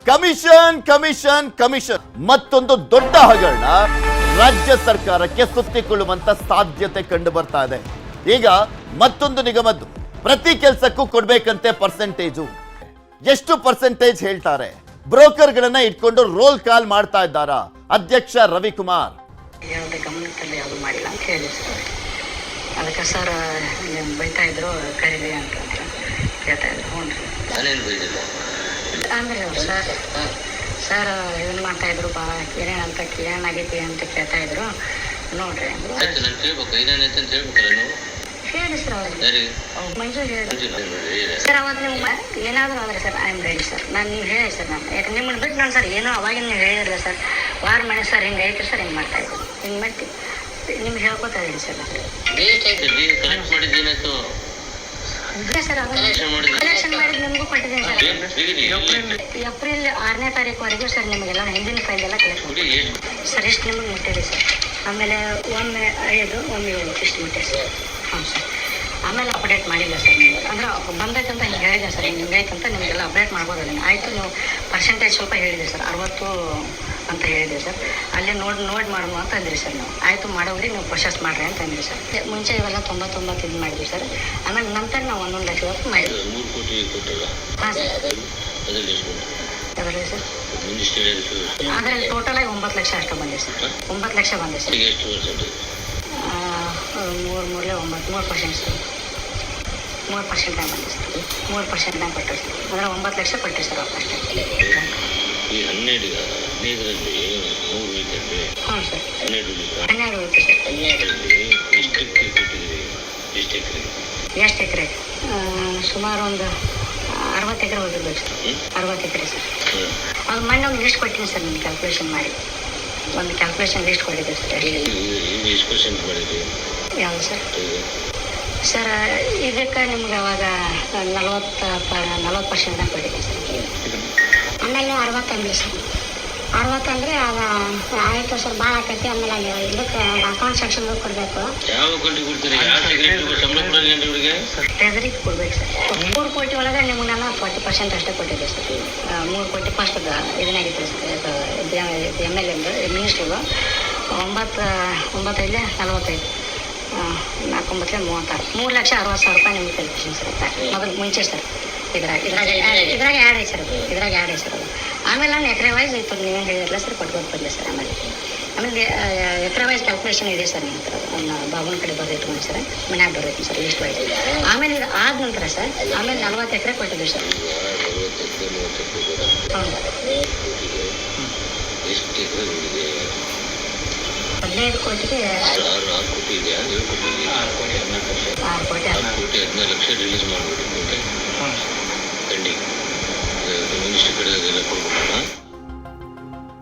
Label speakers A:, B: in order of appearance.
A: Commission commission commission ಮತ್ತೊಂದು ದೊಡ್ಡ ಹಗರಣ ರಾಜ್ಯ ಸರ್ಕಾರಕ್ಕೆ ಸುತ್ತಿಕೊಳ್ಳುವಂತ ಸಾಧ್ಯತೆ ಕಂಡು ಬರ್ತಾ ಇದೆ. ಈಗ ಮತ್ತೊಂದು ನಿಗಮದ್ದು ಪ್ರತಿ ಕೆಲಸಕ್ಕೂ ಕೊಡ್ಬೇಕಂತೆ ಪರ್ಸೆಂಟೇಜು. ಎಷ್ಟು ಪರ್ಸೆಂಟೇಜ್ ಹೇಳ್ತಾರೆ? ಬ್ರೋಕರ್ಗಳನ್ನ ಇಟ್ಕೊಂಡು ರೋಲ್ ಕಾಲ್ ಮಾಡ್ತಾ ಇದ್ದಾರಾ ಅಧ್ಯಕ್ಷ ರವಿಕುಮಾರ್?
B: ಯಾವುದೇ ಗಮನದಲ್ಲಿ ಯಾವುದು ಮಾಡಿಲ್ಲ ಅಂತ ಹೇಳಿ ಸರ್. ಅದಕ್ಕೆ ಸರ್ ಬೈತಾ ಇದ್ರು ಕರೀರಿ ಅಂತ ಕೇಳ್ತಾ ಇದ್ರು. ಹ್ಞೂ ರೀ ಅಂದ್ರೆ ಸರ್ ಸರ್ ಏನು ಮಾಡ್ತಾ ಇದ್ರು ಬಾ ಏನೇನಂತ ಏನಾಗೈತಿ ಅಂತ ಕೇಳ್ತಾ ಇದ್ರು. ನೋಡ್ರಿ ಹೇಳಿ ಸರ್ ಅವ್ರು ಮಂಜು ಹೇಳಿ ಸರ್. ಅವತ್ತು ನೀವು ಏನಾದರೂ ಅಂದರೆ sir I am ready sir. ನಾನು ನೀವು ಹೇಳಿ ಸರ್. ನಾನು ಯಾಕೆ ನಿಮ್ಮನ್ನು ಬಿಟ್ಟು ನಾನು ಸರ್ ಏನೋ ಅವಾಗಿನ ನೀವು ಹೇಳಿರಲಿಲ್ಲ ಸರ್. ವಾರ ಮನೆ ಸರ್ ಹಿಂಗೆ ಐತಿ ಸರ್, ಹಿಂಗೆ ಮಾಡ್ತಾ ಇದ್ರು, ಹಿಂಗೆ ಮಾಡ್ತೀವಿ ನಿಮ್ಗೆ ಹೇಳ್ಕೊತಾ ಇದ್ದೀನಿ ಸರ್. ಸರ್ ಕಲೆಕ್ಷನ್ ಮಾಡಿದ್ದು ನಿಮಗೂ ಕೊಟ್ಟಿದ್ದೀನಿ ಸರ್. ಏಪ್ರಿಲ್ 6ನೇ ತಾರೀಕುವರೆಗೂ ಸರ್ ನಿಮಗೆಲ್ಲ ಹಿಂದಿನ ಫೈಲ್ ಎಲ್ಲ ಕಲೆಕ್ಟ್ ಮಾಡಿ ಸರ್. ಇಷ್ಟು ನಿಮಗೆ ಮುಟ್ಟಿದೆ ಸರ್. ಆಮೇಲೆ ಒಮ್ಮೆ 5 ಒಮ್ಮೆ 7 ಇಷ್ಟು ಮುಟ್ಟಿದೆ ಸರ್. ಹಾಂ ಸರ್. ಆಮೇಲೆ ಅಪ್ಡೇಟ್ ಮಾಡಿಲ್ಲ ಸರ್. ನೀವು ಅಂದ್ರೆ ಬಂದೈತಂತ ಹಿಂಗೆ ಹೇಳಿದೆ ಸರ್. ಹಿಂಗೆ ಹಿಂಗೈತಂತ ನಿಮಗೆಲ್ಲ ಅಪ್ಡೇಟ್ ಮಾಡ್ಬೋದಲ್ಲ. ಆಯಿತು ನೀವು ಪರ್ಸೆಂಟೇಜ್ ಸ್ವಲ್ಪ ಹೇಳಿದೆ ಸರ್, 60 ಅಂತ ಹೇಳಿದೆ ಸರ್. ಅಲ್ಲೇ ನೋಡಿ ಮಾಡುವ ಅಂತ ಅಂದ್ರಿ ಸರ್. ನಾವು ಆಯಿತು ಮಾಡೋಗ್ರಿ, ನೀವು ಪ್ರೊಸೆಸ್ ಮಾಡಿರಿ ಅಂತ ಅಂದ್ರಿ ಸರ್. ಮುಂಚೆ ಇವೆಲ್ಲ 99 ಇದು ಮಾಡಿದ್ವಿ ಸರ್. ಆಮೇಲೆ ನಂತರ ನಾವು 1 ಲಕ್ಷ ಹೊತ್ತು ಮಾಡಿದ್ವಿ. ಹಾಂ ಸರ್. ಅದರಲ್ಲಿ ಸರ್ ಅದರಲ್ಲಿ ಟೋಟಲಾಗಿ 9 ಲಕ್ಷ ಅಷ್ಟು ಬಂದಿದೆ ಸರ್. 9 ಲಕ್ಷ ಬಂದಿದೆ ಸರ್. 3% ಸರ್. 3% ಬಂದಿದೆ ಸರ್. 3% ಕೊಟ್ಟರು ಸರ್. ಅಂದರೆ 9 ಲಕ್ಷ ಕೊಟ್ಟರು ಸರ್ ಅಷ್ಟೇ.
C: ಈ 12
B: ಹ್ಞೂ ಸರ್. 12 ಹೋಯ್ತು ಸರ್. ಎಷ್ಟು ಎಕರೆ? ಸುಮಾರು ಒಂದು 60 ಎಕರೆ ಹೋಗಿರ್ಬೇಕು ಸರ್. 60 ಎಕರೆ ಸರ್. ಅದು ಮೊನ್ನೆ ಒಂದು ಲಿಸ್ಟ್ ಕೊಟ್ಟಿದ್ದೀನಿ ಸರ್. ನಿಮ್ಗೆ ಕ್ಯಾಲ್ಕುಲೇಷನ್ ಮಾಡಿ ಒಂದು ಕ್ಯಾಲ್ಕುಲೇಷನ್ ಲಿಸ್ಟ್ ಕೊಟ್ಟಿದ್ದೆ ಸರ್. ಯಾವುದು ಸರ್? ಸರ್ ಇದಕ್ಕೆ ನಿಮ್ಗೆ ಅವಾಗ 40% ಕೊಟ್ಟಿದ್ದೆ ಸರ್. ಆಮೇಲೆ 60 ಅಂದ್ರಿ ಸರ್. 60 ಅಂದರೆ ಅದು ಆಯಿತು ಸರ್, ಭಾಳ ಆಕೈತಿ. ಆಮೇಲೆ ಇದಕ್ಕೆ ಅಕೌಂಟ್ ಸೆಕ್ಷನ್ಗೆ ಕೊಡಬೇಕು. ಟ್ರೆಜರಿಗೆ ಕೊಡ್ಬೇಕು ಸರ್. 3 ಕೋಟಿ ಒಳಗೆ ನಿಮ್ಗೆ ನಾನು 40% ಅಷ್ಟೇ ಕೊಟ್ಟಿದ್ದೆ ಸರ್. 3 ಕೋಟಿ ಫಸ್ಟ್ ಇದನ್ನಾಗಿತ್ತು ಸರ್. MLA ಮಿನಿಸ್ಟ್ರಿಗೂ 9 45 4 36 3,60,000 ರೂಪಾಯಿ ನಿಮ್ಗೆ ಕಲ್ಪಿಸಿ ಸರ್. ಮೊದಲು ಮುಂಚೆ ಸರ್ ಇದ್ರಾಗ ಆ್ಯಡ್ ಐತೆ ಸರ್. ಇದ್ರಾಗ ಆ್ಯಡ್ ಐತೆ ಸರ್. ಅದು ಆಮೇಲೆ ನಾನು ಎಕರೆ ವೈಸ್ ಇತ್ತು ನೀವೇನು ಹೇಳಿರಲ್ಲ ಸರ್, ಕೊಟ್ಬೋದು ಬಂದೆ ಸರ್. ಆಮೇಲೆ ಎಕರೆ ವೈಸ್ ಕ್ಯಾಲ್ಕುಲೇಷನ್ ಇದೆ ಸರ್. ನಿಮ್ಮ ಹತ್ರ ನನ್ನ ಬಾಬುನ ಕಡೆ ಬರೆದಿಟ್ಕೊಂಡು ಸರ್, ಮನ್ಯಾಗ ಬರೈತಿ ಸರ್ ಲಿಸ್ಟ್ ವೈಸ್. ಆಮೇಲೆ ಇದು ಆದ ನಂತರ ಸರ್ ಆಮೇಲೆ 40 ಎಕರೆ ಕೊಟ್ಟಿದ್ದೀವಿ ಸರ್. ಹೌದು 15 ಕೋಟಿಗೆ
C: 6 ಕೋಟಿ 14 ಲಕ್ಷ ರಿಲೀಸ್ ಮಾಡಿಬಿಟ್ಟು